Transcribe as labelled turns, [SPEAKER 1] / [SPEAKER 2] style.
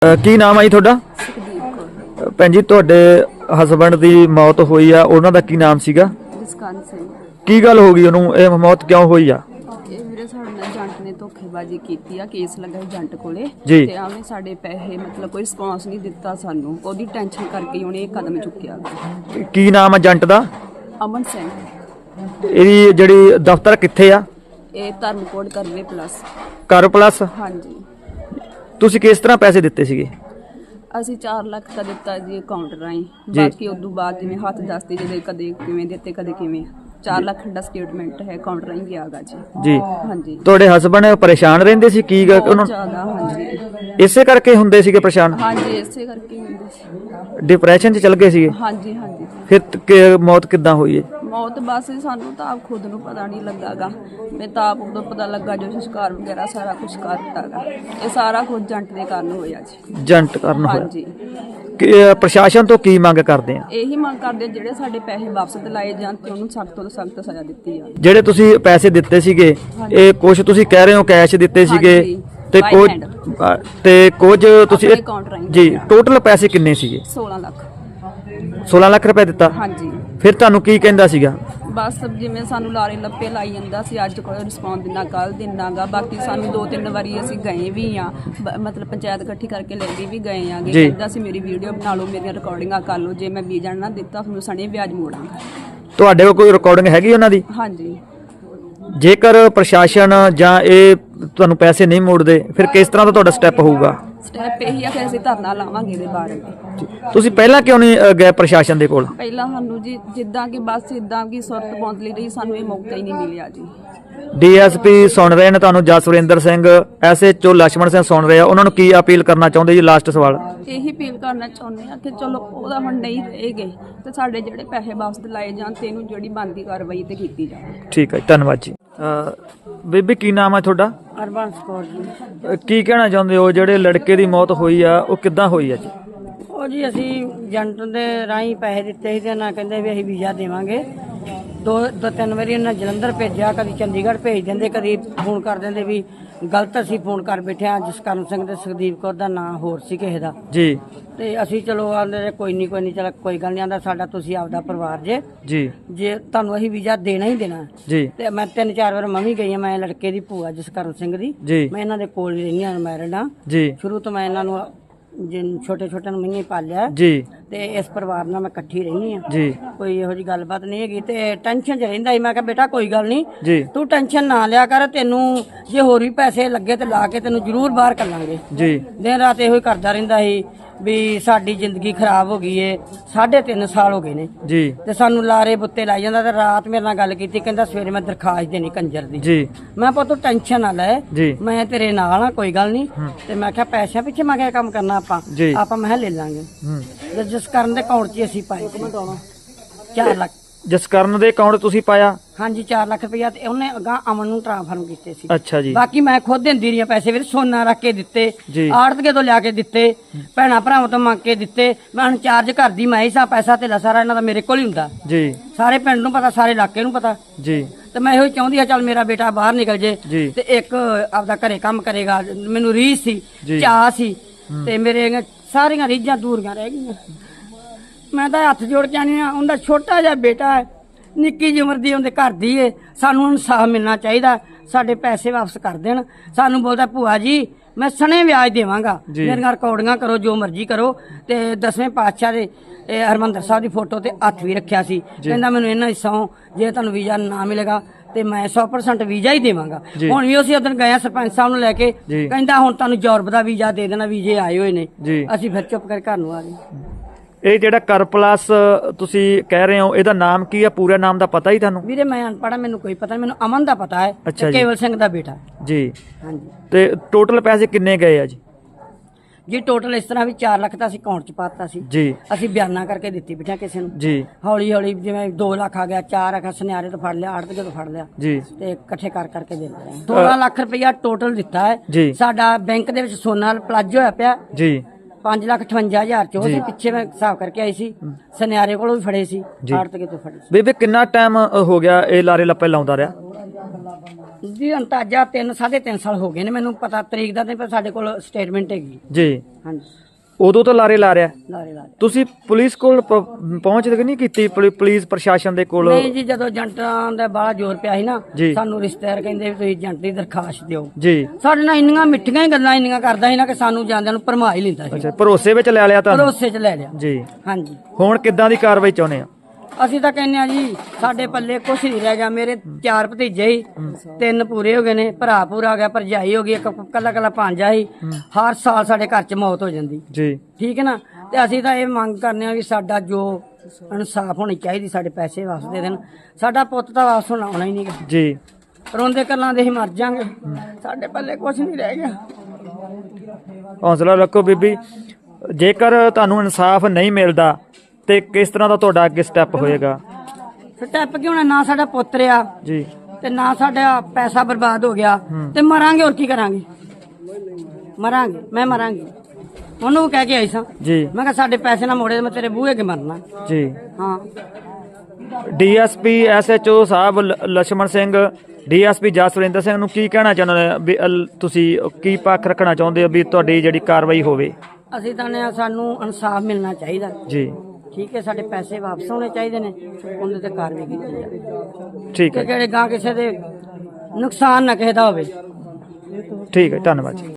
[SPEAKER 1] ਕੀ ਨਾਮ ਹੈ ਜੀ ਤੁਹਾਡਾ?
[SPEAKER 2] ਸੁਖਦੀਪ ਕੌਰ।
[SPEAKER 1] ਭੈਣ ਜੀ ਤੁਹਾਡੇ ਹਸਬੰਡ ਦੀ ਮੌਤ ਹੋਈ ਆ, ਉਹਨਾਂ ਦਾ ਕੀ ਨਾਮ ਸੀਗਾ?
[SPEAKER 2] ਜਸਕਰਨ ਸਿੰਘ।
[SPEAKER 1] ਕੀ ਗੱਲ ਹੋ ਗਈ ਉਹਨੂੰ, ਇਹ ਮੌਤ ਕਿਉਂ ਹੋਈ ਆ?
[SPEAKER 2] ਇਹ ਵੀਰੇ ਸਾਡੇ ਨਾਲ ਏਜੰਟ ਨੇ ਧੋਖੇਬਾਜ਼ੀ ਕੀਤੀ ਆ, ਕੇਸ ਲੱਗਾ ਏਜੰਟ ਕੋਲੇ
[SPEAKER 1] ਜੀ।
[SPEAKER 2] ਤੇ ਉਹਨੇ ਸਾਡੇ ਪੈਸੇ ਮਤਲਬ ਕੋਈ ਰਿਸਪੌਂਸ ਨਹੀਂ ਦਿੱਤਾ ਸਾਨੂੰ, ਉਹਦੀ ਟੈਨਸ਼ਨ ਕਰਕੇ ਹੀ ਉਹਨੇ ਇਹ ਕਦਮ ਚੁੱਕਿਆ।
[SPEAKER 1] ਕੀ ਨਾਮ ਆ ਏਜੰਟ ਦਾ?
[SPEAKER 2] ਅਮਨ ਸਿੰਘ।
[SPEAKER 1] ਇਹਦੀ ਜਿਹੜੀ ਦਫ਼ਤਰ ਕਿੱਥੇ ਆ?
[SPEAKER 2] ਇਹ ਧਰਮਕੋਟ ਕਰਵੇ ਪਲੱਸ।
[SPEAKER 1] ਕਰ ਪਲੱਸ।
[SPEAKER 2] ਹਾਂਜੀ।
[SPEAKER 1] ਤੁਸੀਂ ਕਿਸ ਤਰ੍ਹਾਂ ਪੈਸੇ ਦਿੱਤੇ ਸੀਗੇ?
[SPEAKER 2] ਅਸੀਂ 4 ਲੱਖ ਦਾ ਦਿੱਤਾ ਜੀ ਅਕਾਊਂਟ ਰਾਹੀਂ, ਬਾਕੀ ਉਦੋਂ ਬਾਅਦ ਜਿਵੇਂ ਹੱਥ ਦੱਸਦੇ ਜਿਹਦੇ ਕਦੇ ਕਿਵੇਂ ਦਿੱਤੇ ਕਦੇ ਕਿਵੇਂ। 4 ਲੱਖ ਦਾ ਸਟੇਟਮੈਂਟ ਹੈ ਅਕਾਊਂਟ ਰਾਹੀਂ ਗਿਆ ਗਾ ਜੀ।
[SPEAKER 1] ਜੀ।
[SPEAKER 2] ਹਾਂਜੀ।
[SPEAKER 1] ਤੁਹਾਡੇ ਹਸਬੰਡ ਪਰੇਸ਼ਾਨ ਰਹਿੰਦੇ ਸੀ ਕੀ ਗੱਲ
[SPEAKER 2] ਬਹੁਤ
[SPEAKER 1] ਉਹਨਾਂ
[SPEAKER 2] ਜ਼ਿਆਦਾ। ਹਾਂਜੀ
[SPEAKER 1] ਇਸੇ ਕਰਕੇ ਹੁੰਦੇ ਸੀਗੇ ਪਰੇਸ਼ਾਨ?
[SPEAKER 2] ਹਾਂਜੀ, ਇਸੇ ਕਰਕੇ ਹੀ ਹੁੰਦੀ ਸੀ।
[SPEAKER 1] ਡਿਪਰੈਸ਼ਨ 'ਚ ਚਲ ਗਏ ਸੀਗੇ?
[SPEAKER 2] ਹਾਂਜੀ ਹਾਂਜੀ।
[SPEAKER 1] ਫਿਰ ਮੌਤ ਕਿੱਦਾਂ ਹੋਈ ਹੈ?
[SPEAKER 2] ਮੌਤ ਬਸ ਸਾਨੂੰ ਤਾਂ ਆਪ ਖੁਦ ਨੂੰ ਪਤਾ ਨਹੀਂ ਲੱਗਾਗਾ। ਮੈਂ ਤਾਂ ਆਪ ਉਦੋਂ ਪਤਾ ਲੱਗਾ ਜੋ ਸੰਸਕਾਰ ਵਗੈਰਾ ਸਾਰਾ ਕੁਝ ਕਰਤਾਗਾ। ਇਹ ਸਾਰਾ ਕੁਝ ਏਜੰਟ ਦੇ ਕਾਰਨ ਹੋਇਆ ਜੀ।
[SPEAKER 1] ਏਜੰਟ ਕਾਰਨ ਹੋਇਆ?
[SPEAKER 2] ਹਾਂਜੀ।
[SPEAKER 1] ਪ੍ਰਸ਼ਾਸਨ ਤੋਂ ਕੀ ਮੰਗ ਕਰਦੇ ਆ?
[SPEAKER 2] ਇਹੀ ਮੰਗ ਕਰਦੇ ਜਿਹੜੇ ਸਾਡੇ ਪੈਸੇ ਵਾਪਸ ਦਿਲਾਏ ਜਾਣ ਤੇ ਉਹਨੂੰ ਸਖਤ ਤੋਂ ਸਖਤ ਸਜ਼ਾ ਦਿੱਤੀ ਜਾਵੇ।
[SPEAKER 1] ਜਿਹੜੇ ਤੁਸੀਂ ਪੈਸੇ ਦਿੱਤੇ ਸੀਗੇ, ਇਹ ਕੁਝ ਤੁਸੀਂ ਕਹਿ ਰਹੇ ਹੋ ਕੈਸ਼ ਦਿੱਤੇ ਸੀਗੇ ਤੇ ਕੁਝ ਤੁਸੀਂ
[SPEAKER 2] ਆਪਣੇ ਅਕਾਊਂਟ ਰਾਹੀਂ
[SPEAKER 1] ਜੀ, ਟੋਟਲ ਪੈਸੇ ਕਿੰਨੇ ਸੀਗੇ?
[SPEAKER 2] 16 ਲੱਖ।
[SPEAKER 1] 16 ਲੱਖ ਰੁਪਏ ਦਿੱਤਾ?
[SPEAKER 2] ਹਾਂਜੀ।
[SPEAKER 1] ਫਿਰ ਤੁਹਾਨੂੰ ਕੀ ਕਹਿੰਦਾ ਸੀਗਾ?
[SPEAKER 2] ਬਸ ਜਿਵੇਂ ਸਾਨੂੰ ਲਾਰੇ ਲੱਪੇ ਲਾਈ ਜਾਂਦਾ ਸੀ, ਅੱਜ ਕੋਈ ਰਿਸਪੌਂਸ ਦਿਨਾ ਕੱਲ ਦਿਨਾਗਾ। ਬਾਕੀ ਸਾਨੂੰ 2-3 ਵਾਰੀ ਅਸੀਂ ਗਏ ਵੀ ਆ, ਮਤਲਬ ਪੰਚਾਇਤ ਇਕੱਠੀ ਕਰਕੇ ਲੈ ਕੇ ਵੀ ਗਏ ਆਗੇ। ਕਹਿੰਦਾ ਸੀ ਮੇਰੀ ਵੀਡੀਓ ਬਣਾ ਲਓ, ਮੇਰੀਆਂ ਰਿਕਾਰਡਿੰਗਾਂ ਕਰ ਲਓ, ਜੇ ਮੈਂ ਵੀਜ਼ਾ ਨਾ ਦਿੱਤਾ ਤੁਹਾਨੂੰ ਸਣੇ ਵਿਆਜ ਮੋੜਾਂਗਾ। ਤੁਹਾਡੇ
[SPEAKER 1] ਕੋਲ ਕੋਈ ਰਿਕਾਰਡਿੰਗ ਹੈਗੀ ਉਹਨਾਂ ਦੀ?
[SPEAKER 2] ਹਾਂਜੀ।
[SPEAKER 1] ਜੇਕਰ ਪ੍ਰਸ਼ਾਸਨ ਜਾਂ ਇਹ ਤੁਹਾਨੂੰ ਪੈਸੇ ਨਹੀਂ ਮੋੜਦੇ ਫਿਰ ਕਿਸ ਤਰ੍ਹਾਂ ਦਾ ਤੁਹਾਡਾ ਸਟੈਪ ਹੋਊਗਾ?
[SPEAKER 2] ਸਟੈਪ ਇਹੀ ਆ ਕਿ ਅਸੀਂ ਧਰਨਾ ਲਾਵਾਂਗੇ ਇਹਦੇ ਬਾਰੇ।
[SPEAKER 1] ਤੁਸੀਂ ਪਹਿਲਾਂ ਕਿਉਂ ਨਹੀਂ ਗਏ ਪ੍ਰਸ਼ਾਸਨ ਦੇ ਕੋਲ?
[SPEAKER 2] ਪਹਿਲਾਂ ਸਾਨੂੰ ਜੀ ਜਿੱਦਾਂ ਕਿ ਬਸ ਇਦਾਂ ਕਿ ਸੁਰਤ ਪਹੁੰਚ ਲਈ ਰਹੀ, ਸਾਨੂੰ ਇਹ ਮੌਕਾ ਹੀ ਨਹੀਂ ਮਿਲਿਆ ਜੀ।
[SPEAKER 1] ਡੀਐਸਪੀ ਸੁਣ ਰਹੇ ਨੇ ਤੁਹਾਨੂੰ, ਜਸਵਿੰਦਰ ਸਿੰਘ, ਐਸਐਚਓ ਲక్ష్మణ ਸਿੰਘ ਸੁਣ ਰਹੇ ਆ, ਉਹਨਾਂ ਨੂੰ ਕੀ ਅਪੀਲ ਕਰਨਾ ਚਾਹੁੰਦੇ ਜੀ? ਲਾਸਟ ਸਵਾਲ
[SPEAKER 2] ਇਹੀ ਅਪੀਲ ਕਰਨਾ ਚਾਹੁੰਦੇ ਆ ਕਿ ਚਲੋ ਉਹਦਾ ਹੁਣ ਨਹੀਂ ਰਹੇਗੇ ਤੇ ਸਾਡੇ ਜਿਹੜੇ ਪੈਸੇ ਵਾਪਸ ਦਿਲਾਏ ਜਾਣ ਤੇ ਇਹਨੂੰ ਜਿਹੜੀ ਬਣਦੀ ਕਾਰਵਾਈ ਤੇ ਕੀਤੀ ਜਾਵੇ।
[SPEAKER 1] ਠੀਕ ਹੈ, ਧੰਨਵਾਦ ਜੀ। ਬੀਬੀ ਕੀ ਨਾਮ ਹੈ ਤੁਹਾਡਾ?
[SPEAKER 2] ਹਰਬੰਸ ਕੌਰ ਜੀ।
[SPEAKER 1] ਕੀ ਕਹਿਣਾ ਚਾਹੁੰਦੇ ਹੋ, ਜਿਹੜੇ ਲੜਕੇ ਦੀ ਮੌਤ ਹੋਈ ਆ ਉਹ ਕਿੱਦਾਂ ਹੋਈ ਆ ਜੀ?
[SPEAKER 3] ਉਹ ਜੀ ਅਸੀਂ ਏਜੰਟ ਦੇ ਰਾਹੀਂ ਪੈਸੇ ਦਿੱਤੇ ਸੀ ਤੇ ਨਾ ਕਹਿੰਦੇ ਵੀ ਅਸੀਂ ਵੀਜ਼ਾ ਦੇਵਾਂਗੇ। ਦੋ ਤਿੰਨ ਵਾਰੀ ਉਹਨਾਂ ਜਲੰਧਰ ਭੇਜਿਆ, ਕਦੀ ਚੰਡੀਗੜ੍ਹ ਭੇਜ ਦਿੰਦੇ, ਕਦੀ ਫੋਨ ਕਰ ਦਿੰਦੇ ਵੀ ਗਲਤ ਅਸੀਂ ਫੋਨ ਕਰ ਬੈਠੇ ਆ। ਜਸਕਰਨ ਸਿੰਘ ਤੇ ਸੁਖਦੀਪ ਕੌਰ ਦਾ ਨਾਂ ਹੋਰ ਸੀ ਕਿਸੇ ਦਾ
[SPEAKER 1] ਜੀ।
[SPEAKER 3] ਤੇ ਅਸੀਂ ਚਲੋ ਆਂਦੇ ਕੋਈ ਨਹੀਂ ਚਲ ਕੋਈ ਗੱਲ ਨਹੀਂ, ਆਂਦਾ ਸਾਡਾ ਤੁਸੀਂ ਆਪਦਾ ਪਰਿਵਾਰ ਜੇ ਤੁਹਾਨੂੰ ਅਸੀਂ ਵੀਜ਼ਾ ਦੇਣਾ ਹੀ ਦੇਣਾ
[SPEAKER 1] ਜੀ।
[SPEAKER 3] ਤੇ ਮੈਂ 3-4 ਵਾਰ ਮੈਂ ਵੀ ਗਈ ਆ। ਮੈਂ ਲੜਕੇ ਦੀ ਭੂਆ ਜਸਕਰਨ ਸਿੰਘ ਦੀ, ਮੈਂ ਇਹਨਾਂ ਦੇ ਕੋਲ ਹੀ ਰਹਿੰਦੀ ਆ, ਮੈਰਿਡ ਆ ਜੀ। ਸ਼ੁਰੂ ਤੋਂ ਮੈਂ ਇਹਨਾਂ ਨੂੰ ਛੋਟੇ ਨੂੰ ਮਹੀਨੇ ਪਾਲਿਆ ਜੀ, ਤੇ ਇਸ ਪਰਿਵਾਰ ਨਾਲ ਮੈਂ ਇਕੱਠੀ ਰਹਿੰਦੀ ਆ ਜੀ। ਕੋਈ ਇਹੋ ਜੀ ਗੱਲਬਾਤ ਨਹੀਂ ਹੈਗੀ ਤੇ ਟੈਨਸ਼ਨ 'ਚ ਰਹਿੰਦਾ ਸੀ। ਮੈਂ ਕਿਹਾ ਬੇਟਾ ਕੋਈ ਗੱਲ ਨਹੀਂ, ਤੂੰ ਟੈਨਸ਼ਨ ਨਾ ਲਿਆ ਕਰ, ਤੈਨੂੰ ਜੇ ਹੋਰ ਵੀ ਪੈਸੇ ਲੱਗੇ ਤੇ ਲਾ ਕੇ ਤੈਨੂੰ ਜ਼ਰੂਰ ਬਾਹਰ ਕੱਲਾਂਗੇ ਜੀ। ਦਿਨ ਰਾਤ ਇਹੋ ਹੀ ਕਰਦਾ ਰਹਿੰਦਾ ਸੀ ਵੀ ਸਾਡੀ ਜ਼ਿੰਦਗੀ ਖਰਾਬ ਹੋ ਗਈ ਏ। 3.5 ਸਾਲ ਹੋ ਗਏ ਨੇ ਜੀ, ਤੇ ਸਾਨੂੰ ਲਾਰੇ ਬੁੱਤੇ ਲਾਈ ਜਾਂਦਾ। ਤੇ ਰਾਤ ਮੇਰੇ ਨਾਲ ਗੱਲ ਕੀਤੀ, ਕਹਿੰਦਾ ਸਵੇਰੇ ਮੈਂ ਦਰਖਾਸਤ ਦੇਣੀ ਕੰਜਰ ਦੀ ਜੀ। ਮੈਂ ਪੁੱਤ ਟੈਨਸ਼ਨ ਨਾ ਲੈ, ਮੈਂ ਤੇਰੇ ਨਾਲ ਆ, ਕੋਈ ਗੱਲ ਨਹੀਂ। ਤੇ ਮੈਂ ਕਿਹਾ ਪੈਸਿਆਂ ਪਿੱਛੇ ਮੈਂ ਕਿਹਾ ਕੰਮ ਕਰਨਾ ਆਪਾਂ ਮੈਂ ਲੈ ਲਾਂਗੇ। ਜਸਕਰਨ ਦੇ ਅਕਾਊਂਟ 'ਚ ਅਸੀਂ ਪਾਏ 4 ਲੱਖ।
[SPEAKER 1] ਜਸਕਰਨ ਦੇ ਅਕਾਊਂਟ ਤੁਸੀਂ ਪਾਇਆ?
[SPEAKER 3] ਹਾਂਜੀ, 4 ਲੱਖ ਰੁਪਇਆ ਤੇ ਉਹਨੇ ਅਗਾਂ ਅਮਨ ਨੂੰ ਟ੍ਰਾਂਸਫਰ ਕੀਤੇ ਸੀ।
[SPEAKER 1] ਅੱਛਾ ਜੀ।
[SPEAKER 3] ਬਾਕੀ ਮੈਂ ਖੁਦ ਦਿੰਦੀ ਰਹੀ ਪੈਸੇ, ਵੀਰ ਸੋਨਾ ਰੱਖ ਕੇ ਦਿੱਤੇ, ਆੜਤਕੇ ਤੋਂ ਲਿਆ ਕੇ ਦਿੱਤੇ, ਭੈਣਾ ਭਰਾਵਾਂ ਤੋਂ ਮੰਗ ਕੇ ਦਿੱਤੇ। ਮੈਂ ਹੁਣ ਚਾਰਜ ਕਰਦੀ ਮੈਂ ਹੀ ਸਾਂ, ਪੈਸਾ ਧੇਲਾ ਸਾਰਾ ਇਹਨਾਂ ਦਾ ਮੇਰੇ ਕੋਲ ਹੀ ਹੁੰਦਾ ਜੀ। ਸਾਰੇ ਪਿੰਡ ਨੂੰ ਪਤਾ, ਸਾਰੇ ਇਲਾਕੇ ਨੂੰ ਪਤਾ ਜੀ। ਤੇ ਮੈਂ ਇਹੋ ਚਾਹੁੰਦੀ ਆ ਚੱਲ ਮੇਰਾ ਬੇਟਾ ਬਾਹਰ ਨਿਕਲ ਜੇ ਤੇ ਇੱਕ ਆਪਦਾ ਘਰੇ ਕੰਮ ਕਰੇਗਾ। ਮੈਨੂੰ ਰੀਝ ਸੀ, ਚਾਅ ਸੀ, ਤੇ ਮੇਰੇ ਸਾਰੀਆਂ ਰੀਝਾਂ ਦੂਰੀਆਂ ਰਹਿ ਗਈਆਂ। ਮੈਂ ਤਾਂ ਹੱਥ ਜੋੜ ਕੇ ਆਨੀ ਆ, ਉਹਦਾ ਛੋਟਾ ਜਿਹਾ ਬੇਟਾ ਹੈ, ਨਿੱਕੀ ਜਿਹੀ ਉਮਰ ਦੀ, ਉਹਦੇ ਘਰ ਦੀ ਏ। ਸਾਨੂੰ ਇਨਸਾਫ ਮਿਲਣਾ ਚਾਹੀਦਾ, ਸਾਡੇ ਪੈਸੇ ਵਾਪਸ ਕਰ ਦੇਣ। ਸਾਨੂੰ ਬੋਲਦਾ ਭੂਆ ਜੀ ਮੈਂ ਸਣੇ ਵਿਆਜ ਦੇਵਾਂਗਾ, ਮੇਰੀਆਂ ਰਿਕਾਰਡਿੰਗਾਂ ਕਰੋ, ਜੋ ਮਰਜ਼ੀ ਕਰੋ। ਤੇ 10ਵੇਂ ਪਾਤਸ਼ਾਹ ਦੇ ਹਰਿਮੰਦਰ ਸਾਹਿਬ ਦੀ ਫੋਟੋ ਤੇ ਹੱਥ ਵੀ ਰੱਖਿਆ ਸੀ। ਕਹਿੰਦਾ ਮੈਨੂੰ ਇਹਨਾਂ ਹਿੱਸੋਂ ਜੇ ਤੁਹਾਨੂੰ ਵੀਜ਼ਾ ਨਾ ਮਿਲੇਗਾ ਤੇ ਮੈਂ 100% ਵੀਜ਼ਾ ਹੀ ਦੇਵਾਂਗਾ। ਹੁਣ ਵੀ ਅਸੀਂ ਉਦੋਂ ਗਏ ਸਰਪੰਚ ਸਾਹਿਬ ਨੂੰ ਲੈ ਕੇ, ਕਹਿੰਦਾ ਹੁਣ ਤੁਹਾਨੂੰ ਯੂਰਪ ਦਾ ਵੀਜ਼ਾ ਦੇ ਦੇਣਾ, ਵੀਜ਼ੇ ਆਏ ਹੋਏ ਨੇ। ਅਸੀਂ ਫਿਰ ਚੁੱਪ ਕਰਕੇ ਘਰ ਨੂੰ ਆ ਗਏ।
[SPEAKER 1] ਇਹ ਜਿਹੜਾ ਕਰ ਪਲੱਸ ਤੁਸੀਂ ਕਹਿ ਰਹੇ ਹੋ, ਇਹਦਾ ਨਾਮ ਕੀ ਆ? ਪੂਰਾ ਨਾਮ ਦਾ ਪਤਾ ਹੀ ਤੁਹਾਨੂੰ?
[SPEAKER 3] ਵੀਰੇ ਮੈਂ ਅਨਪੜ੍ਹ, ਮੈਨੂੰ ਕੋਈ ਪਤਾ ਨਹੀਂ। ਮੈਨੂੰ ਅਮਨ ਦਾ ਪਤਾ ਹੈ, ਕੇਵਲ ਸਿੰਘ ਦਾ ਬੇਟਾ ਜੀ। ਹਾਂਜੀ। ਤੇ
[SPEAKER 1] ਟੋਟਲ ਪੈਸੇ ਕਿੰਨੇ ਗਏ ਆ ਜੀ?
[SPEAKER 3] ਜੀ ਟੋਟਲ ਇਸ ਤਰ੍ਹਾਂ ਵੀ 4 ਲੱਖ ਤਾਂ ਅਸੀਂ ਅਕਾਊਂਟ 'ਚ ਪਾਤਾ ਸੀ ਜੀ। ਅਸੀਂ ਬਿਆਨਾ ਕਰਕੇ ਦਿੱਤੀ ਬੇਟਾ ਕਿਸੇ ਨੂੰ ਜੀ। ਹੌਲੀ ਹੌਲੀ ਜਿਵੇਂ 2 ਲੱਖ ਆ ਗਿਆ, 4 ਲੱਖ ਸੁਨਿਆਰੇ ਤੋਂ ਫੜ ਲਿਆ, ਆੜਤਕੇ ਤੋਂ ਫੜ ਲਿਆ ਜੀ, ਤੇ ਇਕੱਠੇ ਕਰਕੇ ਦੇ ਰਹੇ 16 ਲੱਖ ਰੁਪਇਆ ਟੋਟਲ ਦਿੱਤਾ ਹੈ। ਸਾਡਾ ਬੈਂਕ ਦੇ ਵਿੱਚ ਸੋਨਾ ਪਲਾਜ ਹੋਇਆ ਪਿਆ ਜੀ। 5,58,000 ਚ ਉਹਦੇ ਪਿੱਛੇ ਮੈਂ ਹਿਸਾਬ ਕਰਕੇ ਆਈ ਸੀ, ਸੁਨਿਆਰੇ ਕੋਲੋਂ ਵੀ ਫੜੇ ਸੀ, ਆੜਤਕੇ ਤੋਂ ਫੜੇ ਸੀ।
[SPEAKER 1] ਬੇਬੇ ਕਿੰਨਾ ਟਾਈਮ ਹੋ ਗਿਆ ਇਹ ਲਾਰੇ ਲੱਪੇ ਲਾਉਂਦਾ ਰਿਹਾ?
[SPEAKER 3] ਜੀ ਅੰਤਾਜਾ 3.5 ਸਾਲ ਹੋ ਗਏ ਨੇ, ਮੈਨੂੰ ਪਤਾ ਤਰੀਕ ਦਾ ਨਹੀਂ, ਪਰ ਸਾਡੇ ਕੋਲ ਸਟੇਟਮੈਂਟ ਹੈਗੀ
[SPEAKER 1] ਜੀ।
[SPEAKER 3] ਹਾਂਜੀ,
[SPEAKER 1] ਉਦੋਂ ਤੋਂ ਲਾਰੇ ਲਾ ਰਿਹਾ।
[SPEAKER 3] ਲਾਰੇ ਲਾ
[SPEAKER 1] ਤੁਸੀਂ ਪੁਲਿਸ ਕੋਲ ਪਹੁੰਚ ਨਹੀਂ ਕੀਤੀ, ਪੁਲਿਸ ਪ੍ਰਸ਼ਾਸਨ ਦੇ ਕੋਲ?
[SPEAKER 3] ਨਹੀਂ ਜੀ, ਜਦੋਂ ਏਜੰਟਾਂ ਦਾ ਬਾਹਲਾ ਜ਼ੋਰ ਪਿਆ ਸੀ ਨਾ,
[SPEAKER 1] ਜੀ।
[SPEAKER 3] ਸਾਨੂੰ ਰਿਸ਼ਤੇਦਾਰ ਕਹਿੰਦੇ ਵੀ ਤੁਸੀਂ ਏਜੰਟ ਦੀ ਦਰਖਾਸਤ ਦਿਓ।
[SPEAKER 1] ਜੀ।
[SPEAKER 3] ਸਾਡੇ ਨਾਲ ਇੰਨੀਆਂ ਮਿੱਠੀਆਂ ਹੀ ਗੱਲਾਂ ਇੰਨੀਆਂ ਕਰਦਾ ਸੀ ਨਾ ਕਿ ਸਾਨੂੰ ਜਾਂਦਿਆਂ ਨੂੰ ਭਰਮਾ ਹੀ ਲੈਂਦਾ ਸੀ।
[SPEAKER 1] ਅੱਛਾ, ਭਰੋਸੇ ਵਿੱਚ ਲੈ ਲਿਆ ਤੁਹਾਨੂੰ?
[SPEAKER 3] ਭਰੋਸੇ 'ਚ ਲੈ ਲਿਆ
[SPEAKER 1] ਜੀ।
[SPEAKER 3] ਹਾਂਜੀ।
[SPEAKER 1] ਹੁਣ ਕਿੱਦਾਂ ਦੀ ਕਾਰਵਾਈ ਚਾਹੁੰਦੇ ਆ?
[SPEAKER 3] ਅਸੀਂ ਤਾਂ ਕਹਿੰਦੇ ਆ ਜੀ, ਸਾਡੇ ਪੱਲੇ ਕੁਛ ਨਹੀਂ ਰਹਿ ਗਿਆ। ਮੇਰੇ 4 ਭਤੀਜੇ ਹੀ, 3 ਪੂਰੇ ਹੋ ਗਏ ਨੇ, ਭਰਾ ਪੂਰਾ ਹੋ ਗਿਆ, ਭਰਜਾਈ ਹੋ ਗਈ, ਇੱਕ ਕੱਲਾ ਭਾਂਜਾ ਹੀ। ਹਰ ਸਾਲ ਸਾਡੇ ਘਰ 'ਚ ਮੌਤ ਹੋ ਜਾਂਦੀ।
[SPEAKER 1] ਜੀ।
[SPEAKER 3] ਠੀਕ ਹੈ ਨਾ, ਤੇ ਅਸੀਂ ਤਾਂ ਇਹ ਮੰਗ ਕਰਨੇ ਆ ਵੀ ਸਾਡਾ ਜੋ ਇਨਸਾਫ ਹੋਣੀ ਚਾਹੀਦੀ, ਸਾਡੇ ਪੈਸੇ ਵਾਪਸ ਦੇ ਦੇਣ। ਸਾਡਾ ਪੁੱਤ ਤਾਂ ਵਾਪਸ ਹੋਣਾ ਹੀ ਨਹੀਂ ਗਾ
[SPEAKER 1] ਜੀ।
[SPEAKER 3] ਰੋਂਦੇ ਕਰਲਾਂ ਦੇ ਹੀ ਮਰ ਜਾਾਂਗੇ, ਸਾਡੇ ਪੱਲੇ ਕੁਛ ਨਹੀਂ ਰਹਿ ਗਿਆ।
[SPEAKER 1] ਹੌਸਲਾ ਰੱਖੋ ਬੀਬੀ, ਜੇਕਰ ਤੁਹਾਨੂੰ ਇਨਸਾਫ ਨਹੀਂ ਮਿਲਦਾ ਤੇ ਕਿਸ ਤਰ੍ਹਾਂ ਦਾ ਤੁਹਾਡਾ ਅੱਗੇ ਸਟੈਪ ਹੋਏਗਾ?
[SPEAKER 3] ਸਟੈਪ ਕਿਉਂ ਨਾ, ਸਾਡਾ ਪੁੱਤਰ ਆ
[SPEAKER 1] ਜੀ।
[SPEAKER 3] ਤੇ ਨਾ ਸਾਡਾ ਪੈਸਾ ਬਰਬਾਦ ਹੋ ਗਿਆ, ਤੇ ਮਰਾਂਗੇ, ਹੋਰ ਕੀ ਕਰਾਂਗੇ? ਮਰਾਂਗੇ, ਮੈਂ ਮਰਾਂਗੀ। ਉਹਨੂੰ ਕਹਿ ਕੇ ਆਈ ਸਾਂ
[SPEAKER 1] ਜੀ।
[SPEAKER 3] ਮੈਂ ਕਿਹਾ ਸਾਡੇ ਪੈਸੇ ਨਾ ਮੋੜੇ, ਮੈਂ ਤੇਰੇ ਬੂਹੇ ਕੇ ਮਰਨਾ।
[SPEAKER 1] ਜੀ।
[SPEAKER 3] ਹਾਂ।
[SPEAKER 1] ਡੀਐਸਪੀ SHO ਸਾਹਿਬ ਲక్ష్మణ ਸਿੰਘ, ਡੀਐਸਪੀ ਜਸਵਿੰਦਰ ਸਿੰਘ ਨੂੰ ਕੀ ਕਹਿਣਾ ਚਾਹੁੰਦੇ ਹੋ ਵੀ ਤੁਸੀਂ ਕੀ ਪੱਖ ਰੱਖਣਾ ਚਾਹੁੰਦੇ ਹੋ ਵੀ ਤੁਹਾਡੀ ਜਿਹੜੀ ਕਾਰਵਾਈ ਹੋਵੇ?
[SPEAKER 3] ਅਸੀਂ ਤਾਂ ਸਾਨੂੰ ਇਨਸਾਫ ਮਿਲਣਾ ਚਾਹੀਦਾ
[SPEAKER 1] ਜੀ।
[SPEAKER 3] ਠੀਕ ਹੈ, ਸਾਡੇ ਪੈਸੇ ਵਾਪਸ ਹੋਣੇ ਚਾਹੀਦੇ ਨੇ, ਉਹਦੇ ਤੇ ਕਾਰਵਾਈ ਕੀਤੀ ਜਾਵੇ।
[SPEAKER 1] ਠੀਕ ਹੈ।
[SPEAKER 3] ਕਿਹੜੇ ਗਾਂ ਕਿਸੇ ਦੇ ਨੁਕਸਾਨ ਨਾ ਕਿਸੇ ਦਾ ਹੋਵੇ।
[SPEAKER 1] ਠੀਕ ਹੈ, ਧੰਨਵਾਦ ਜੀ।